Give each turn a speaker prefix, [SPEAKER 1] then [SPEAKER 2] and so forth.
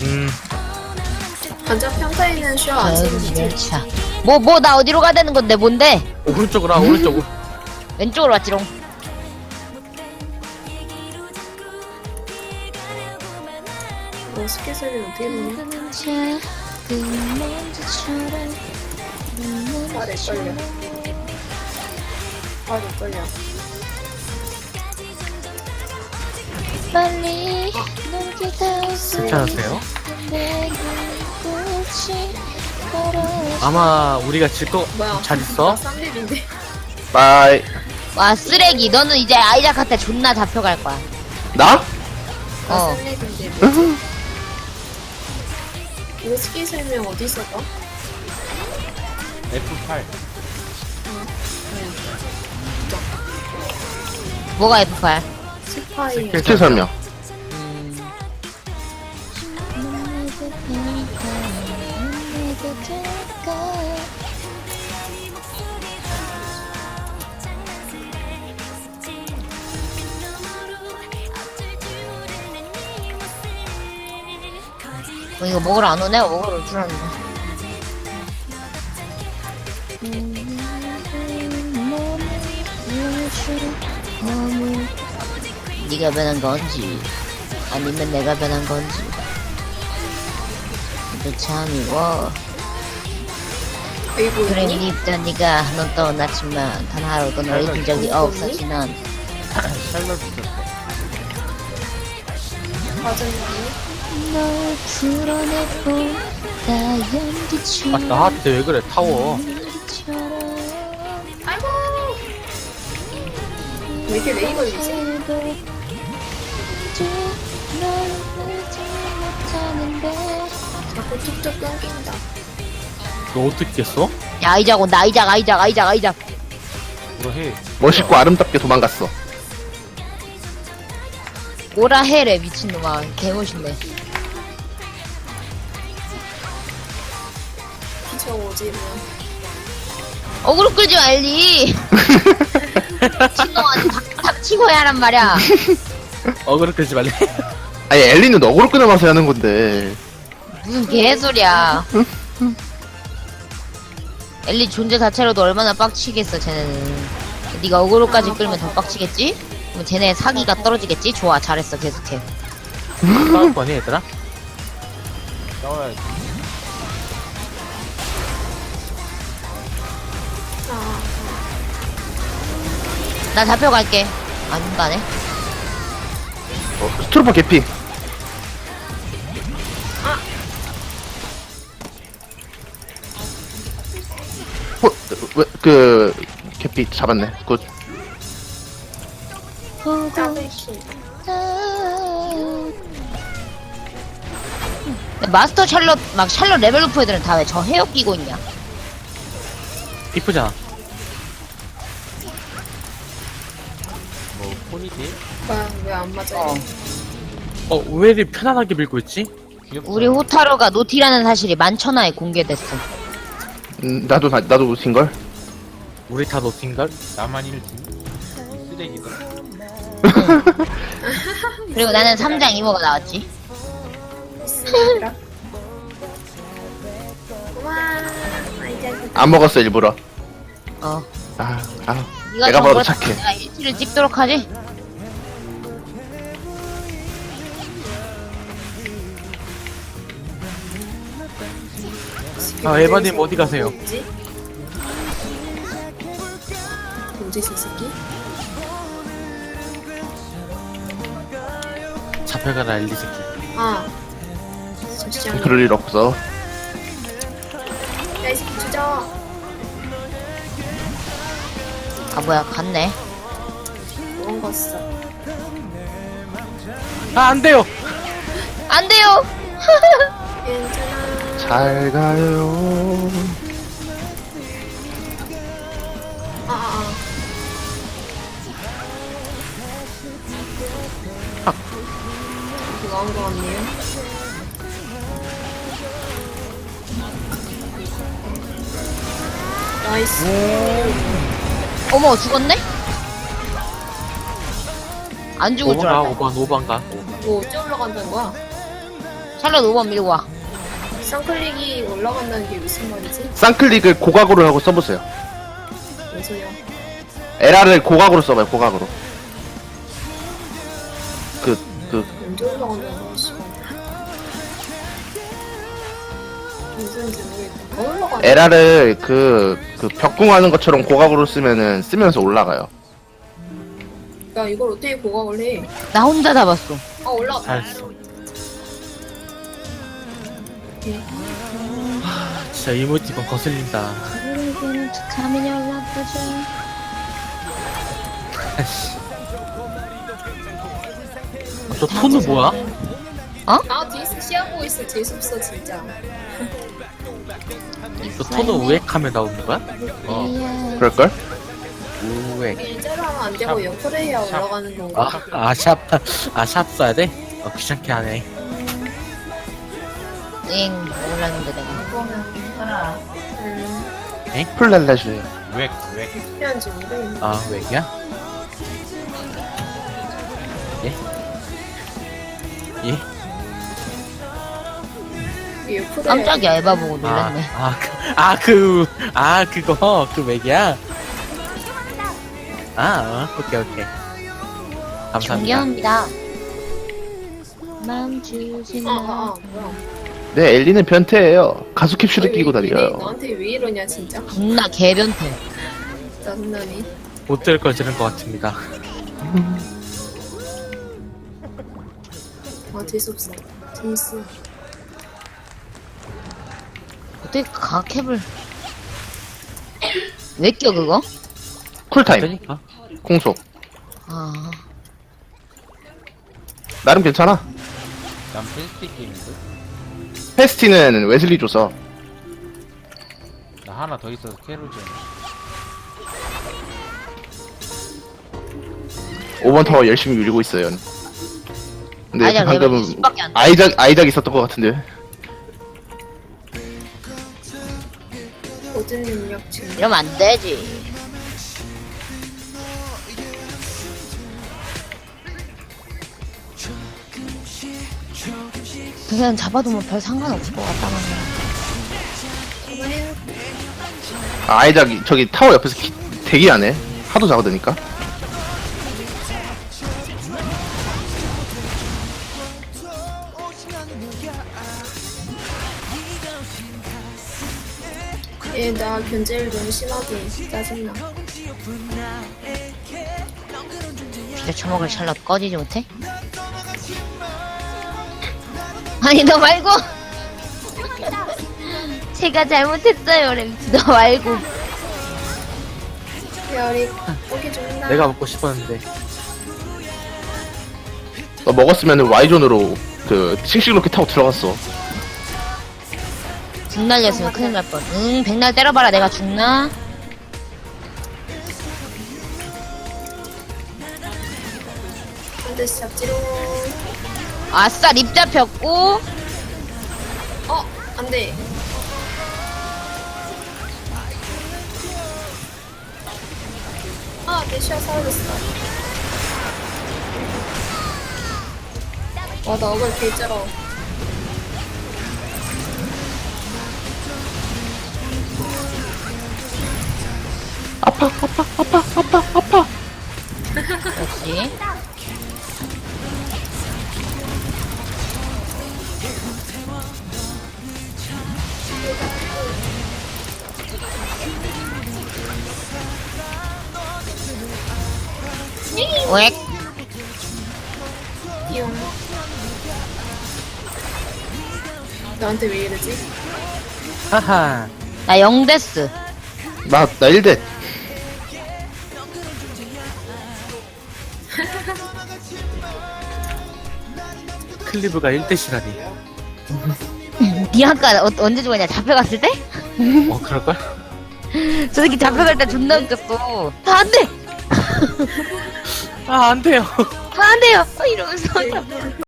[SPEAKER 1] 반짝 평타에는 쉬어 안 쓰는지.
[SPEAKER 2] 차. 나 어디로 가야 되는 건데, 뭔데?
[SPEAKER 3] 오른쪽으로 와, 오른쪽으로.
[SPEAKER 2] 왼쪽으로 왔지롱.
[SPEAKER 1] 뭐 스킬 설명 어떻게 보냐? 아래 걸려. 아래 걸려.
[SPEAKER 2] 빨리
[SPEAKER 3] 괜찮으세요? 아마 우리가 질 거
[SPEAKER 1] 뭐야?
[SPEAKER 3] 잘 있어?
[SPEAKER 1] 나 쌈립인데.
[SPEAKER 4] 바이.
[SPEAKER 2] 와, 쓰레기. 너는 이제 아이작한테 존나 잡혀갈 거야.
[SPEAKER 4] 나?
[SPEAKER 1] 나
[SPEAKER 2] 어.
[SPEAKER 1] 쌈립인데. 뭐지? 이거 스킬 설명 어디서 봐?
[SPEAKER 3] F8.
[SPEAKER 2] 뭐가 F8?
[SPEAKER 1] 스파이.
[SPEAKER 4] 스킬 설명.
[SPEAKER 2] 이거 먹으러 안 오네? 먹으러 올 줄 알았네. 네가 변한 건지 아니면 내가 변한 건지 너 참 미워.
[SPEAKER 1] 아이고
[SPEAKER 2] 그래
[SPEAKER 1] 있니?
[SPEAKER 2] 입던 네가 넌 떠났지만 단 하루도 널 잊은 적이 없었지 넌.
[SPEAKER 3] 샬럿 있었어.
[SPEAKER 1] 맞았니?
[SPEAKER 2] 널 풀어내보다 연기처럼
[SPEAKER 3] 아, 나한테 왜 그래, 타워.
[SPEAKER 1] 아이고. 왜 이렇게 레이 걸리지? 자꾸 툭툭 끊긴다.
[SPEAKER 3] 너 어떻게 깼어?
[SPEAKER 2] 야 아이작 온다. 아이작.
[SPEAKER 3] 뭐라 해.
[SPEAKER 4] 멋있고 아름답게 도망갔어.
[SPEAKER 2] 뭐라 해래 미친놈아. 개멋있네.
[SPEAKER 1] 피쳐 오지 뭐.
[SPEAKER 2] 어그로 끌지 말리. 미친놈아 닥치고 해야란 말이야.
[SPEAKER 3] 어그로 끌지 말래.
[SPEAKER 4] 아니 엘리는 어그로 끊어봐서 하는 건데.
[SPEAKER 2] 무슨 개소리야. 엘리 존재 자체로도 얼마나 빡치겠어 쟤네는. 네가 어그로까지 끌면 더 빡치겠지? 그럼 쟤네 사기가 떨어지겠지? 좋아 잘했어 계속해.
[SPEAKER 3] 싸울 거 아니야, 얘들아? 싸워야지.
[SPEAKER 1] 아,
[SPEAKER 2] 나 잡혀갈게. 안 가네.
[SPEAKER 4] 스트로퍼 개피. 그 개피 잡았네. 굿.
[SPEAKER 1] 짜배기.
[SPEAKER 2] 마스터 샬럿 막 샬럿 레벨 높은 애들은 다 왜 저 헤어 끼고 있냐?
[SPEAKER 3] 이쁘잖아. 뭐, 폰이지?
[SPEAKER 1] 왜 안 맞아요?
[SPEAKER 3] 왜 이리 편안하게 밀고 있지?
[SPEAKER 2] 우리 호타로가 노티라는 사실이 만천하에 공개됐어.
[SPEAKER 4] 나도 놓친 걸.
[SPEAKER 3] 우리 다 노팅걸? 나만 1등? 쓰레기다.
[SPEAKER 2] 그리고 나는 3장 이모가 나왔지.
[SPEAKER 1] 와, 아이작.
[SPEAKER 4] 안 먹었어 일부러.
[SPEAKER 2] 어.
[SPEAKER 4] 내가
[SPEAKER 2] 좀
[SPEAKER 4] 봐도
[SPEAKER 2] 그렇다.
[SPEAKER 4] 착해.
[SPEAKER 2] 내가 일치를 찍도록 하지.
[SPEAKER 3] 아, 에바님 어디 가세요?
[SPEAKER 1] 뭐지? 뭐지, 저 새끼?
[SPEAKER 3] 잡혀가라, 엘리 새끼.
[SPEAKER 1] 아, 저 시장.
[SPEAKER 4] 그럴 일 없어.
[SPEAKER 1] 야, 이 새끼 주저.
[SPEAKER 2] 아 뭐야 갔네.
[SPEAKER 1] 도망갔어.
[SPEAKER 3] 아, 안 돼요!
[SPEAKER 2] 안 돼요.
[SPEAKER 1] 괜찮아.
[SPEAKER 4] 잘 가요.
[SPEAKER 1] 이거 한 거 같네요. 나이스.
[SPEAKER 2] 어머 죽었네? 안 죽을 줄
[SPEAKER 3] 5번 가,
[SPEAKER 2] 알았다.
[SPEAKER 3] 5번 가.
[SPEAKER 1] 뭐 어째 올라간다는 거야?
[SPEAKER 2] 샬롯 5번 밀고 와.
[SPEAKER 1] 쌍클릭이 올라간다는 게 무슨 말이지?
[SPEAKER 4] 쌍클릭을 고각으로 하고 써보세요.
[SPEAKER 1] 뭔 소리야?
[SPEAKER 4] LR을 고각으로 써봐요, 고각으로.
[SPEAKER 1] 언제 올라간다는 거야, 씨발. 무슨 소리인지 모르겠다. 더 올라가네.
[SPEAKER 4] LR을 벽궁하는 것처럼 고각으로 쓰면서 올라가요.
[SPEAKER 1] 야, 이걸 어떻게 고각을 해?
[SPEAKER 2] 나 혼자 잡았어.
[SPEAKER 1] 아, 올라갔다.
[SPEAKER 3] 잘했어. 진짜 이모티콘 거슬린다.
[SPEAKER 2] 그리고는 툭하면 연락하죠.
[SPEAKER 3] 저 톤은 뭐야?
[SPEAKER 1] 아, 뒤에서 시야보고 있어. 재수없어, 진짜.
[SPEAKER 3] 저 톤은 우액하면 나오는 거야?
[SPEAKER 4] 그럴걸?
[SPEAKER 3] 우액.
[SPEAKER 1] 일자로 하면 안 되고
[SPEAKER 3] 샵.
[SPEAKER 1] 옆으로 해야 올라가는 건가?
[SPEAKER 3] 샵 써야 돼? 귀찮게 하네.
[SPEAKER 2] 응, 몰랐는데 내가.
[SPEAKER 4] 풀날라줘요.
[SPEAKER 3] 우액.
[SPEAKER 1] 필요한지 모르겠네.
[SPEAKER 3] 아, 우액이야? 예? 예?
[SPEAKER 1] 이게 옆으로
[SPEAKER 2] 깜짝이야,
[SPEAKER 1] 해야
[SPEAKER 2] 에바 보고 놀랐네.
[SPEAKER 3] 그거, 그 맥이야? 오케이. 감사합니다.
[SPEAKER 2] 존경합니다. 마음 주지 마.
[SPEAKER 1] 뭐야.
[SPEAKER 4] 네, 엘리는 변태예요. 가수 캡슐을 끼고
[SPEAKER 1] 얘네
[SPEAKER 4] 다녀요.
[SPEAKER 1] 너한테 왜 이러냐, 진짜?
[SPEAKER 2] 존나 개변태.
[SPEAKER 1] 짜증나네.
[SPEAKER 3] 못 들을 걸 들은 것 같습니다.
[SPEAKER 1] 아, 재수없어. 재밌어.
[SPEAKER 2] 어떻게 가캡을. 왜 껴, 그거?
[SPEAKER 4] 쿨타임,
[SPEAKER 3] 그러니까.
[SPEAKER 4] 공속.
[SPEAKER 2] 아.
[SPEAKER 4] 나름 괜찮아.
[SPEAKER 3] 난 페스티 게임인데?
[SPEAKER 4] 페스티는 웨슬리 줘서.
[SPEAKER 3] 나 하나 더 있어서 캐롤지.
[SPEAKER 4] 5번 타워 열심히 밀고 있어요. 근데
[SPEAKER 2] 아니야,
[SPEAKER 4] 방금
[SPEAKER 2] 레벨이 10밖에 안 돼.
[SPEAKER 4] 아이작 있었던 것 같은데.
[SPEAKER 1] 모든 능력 중.
[SPEAKER 2] 이러면 안 되지. 그냥 잡아두면 별 상관없을 것 같다는
[SPEAKER 4] 아이작 저기 타워 옆에서 대기하네. 하도 작아드니까.
[SPEAKER 1] 얘, 나 견제를 너무 심하게. 짜증나.
[SPEAKER 2] 진짜 처먹을 샬럿 꺼지지 못해? 아니 너 말고 제가 잘못했어요 램스 너 말고
[SPEAKER 1] 별이 고기 준다.
[SPEAKER 3] 내가 먹고 싶었는데.
[SPEAKER 4] 너 먹었으면 Y존으로 싱싱로켓 타고 들어갔어.
[SPEAKER 2] 죽 날렸으면 큰일 날 뻔. 응 백날 때려봐라 내가 죽나?
[SPEAKER 1] 한 대씩 잡지롱.
[SPEAKER 2] 아싸 립 잡혔고
[SPEAKER 1] 안 돼. 아, 대시야 사라졌어. 와, 나 억울 개쩔어.
[SPEAKER 2] 역시 웩
[SPEAKER 1] 띠용. 나한테 왜 이러지?
[SPEAKER 3] 하하.
[SPEAKER 2] 나 0데스
[SPEAKER 4] 나 1대.
[SPEAKER 3] 클리브가 1대시라니.
[SPEAKER 2] 니 아까 언제 죽었냐 잡혀갔을 때?
[SPEAKER 3] 그럴걸?
[SPEAKER 2] 저 새끼 잡혀갈 때 존나 웃겼어 안돼
[SPEAKER 3] 안 돼요.
[SPEAKER 2] 안돼요 이러면서